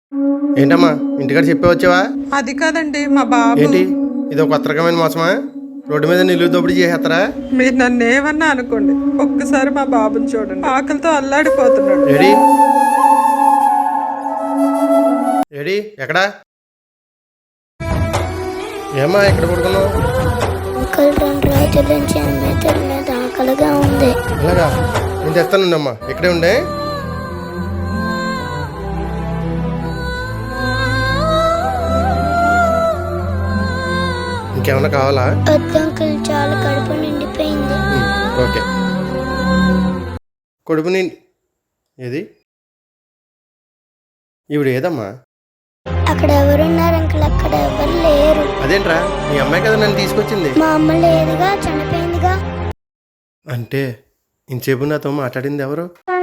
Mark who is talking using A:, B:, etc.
A: ఏంటమ్మా ఇంటికాడ చెప్పవచ్చావా?
B: అది కాదండి మా బాబు.
A: ఏంటి ఇది ఒక కొత్త రకమైన మోసమా? రోడ్డు మీద నిలువు దోపిడీ చేసేస్తారా?
B: మీరు నన్ను ఏమన్నా అనుకోండి, ఒక్కసారి మా బాబుని చూడండి, ఆకలితో అల్లాడిపోతున్నాడు.
A: ఏడి ఏడి ఎక్కడా? ఏమ్మా ఎక్కడ పడుకున్నావు?
C: అంకుల్ 2 రోజుల నుంచి అమ్మే తినలేదు, ఆకలిగా ఉంది.
A: అలాగా, నేను తెస్తానుండమ్మా, ఇక్కడే ఉండే. ఇంకేమన్నా కావాలా?
C: వద్దు అంకుల్, చాలా కడుపు నిండిపోయింది.
A: ఓకే. కడుపు నిండి ఏది? ఈవిడ ఏదమ్మా?
C: అక్కడ ఎవరున్నారు అంకుల్? అక్కడ ఎవరు లేరు.
A: అదేంట్రా, మీ అమ్మాయి కదా నన్ను తీసుకొచ్చింది.
C: మా అమ్మ లేదుగా, చనిపోయిందిగా.
A: అంటే ఇంతసేపు నాతో మాట్లాడింది ఎవరు?